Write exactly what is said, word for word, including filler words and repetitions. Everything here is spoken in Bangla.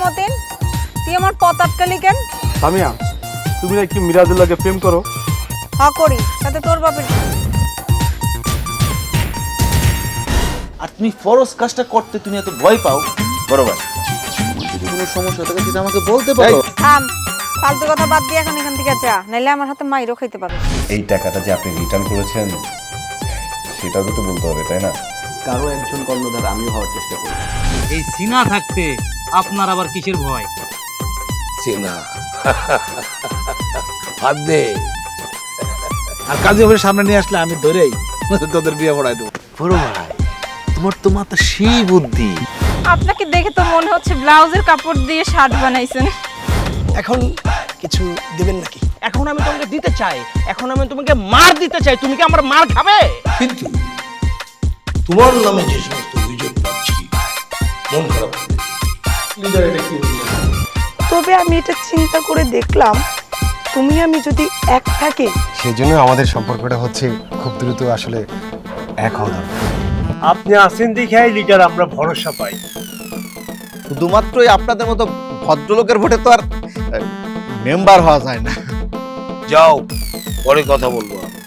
মতিন, তুই আমার পথ আটকালি কেন? সামিয়া, তুমি নাকি মিরাজুল্লাহকে প্রেম করো? হ্যাঁ করি, সাথে তোর বাপের। আর তুমি ফরজ কাজটা করতে তুমি এত ভয় পাও? বরাবর যদি কোনো সমস্যা থাকে সেটা আমাকে বলতে পারো। থাম, ফালতু কথা বাদ দিয়ে এখন এখান থেকে যা, নাইলে আমার হাতে মাইরও খাইতে পারো। এই টাকাটা যে আপনি রিটার্ন করেছেন সেটাও তো বলতে হবে, তাই না? কারো একজন কর্ণধার আমিও হওয়ার চেষ্টা করি। এই সিনা থাকতে আপনার আবার কিসের ভয়? সিনা হাত দে। আর কাজী অফিসের সামনে নিয়ে আসলে আমি ধরেই তোদের বিয়ে পড়াই দেবো। বড় ভাই, তোমার তো মাথা সেই বুদ্ধি। আপনাকে দেখে তো মনে হচ্ছে ব্লাউজের কাপড় দিয়ে শার্ট বানাইছেন। এখন কিছু দিবেন নাকি? এখন আমি তোমাকে দিতে চাই, এখন আমি তোমাকে মার দিতে চাই, তুমি কি আমার মার খাবে? কিন্তু তোমার নামে যে সমস্ত অভিযোগ পাচ্ছি মন খারাপ করে। তবে আমি এটা চিন্তা করে দেখলাম, তুমি আমি যদি এক থাকি, সেই জন্য আমাদের সম্পর্কটা হচ্ছে খুব দ্রুত আসলে এক হওয়া দরকার। আপনি আছেন দেখাই লিডার আমরা ভরসা পাই। শুধুমাত্রই আপনাদের মতো ভদ্রলোকের ভোটে তো আর মেম্বার হওয়া যায় না। যাও, পরে কথা বলবো।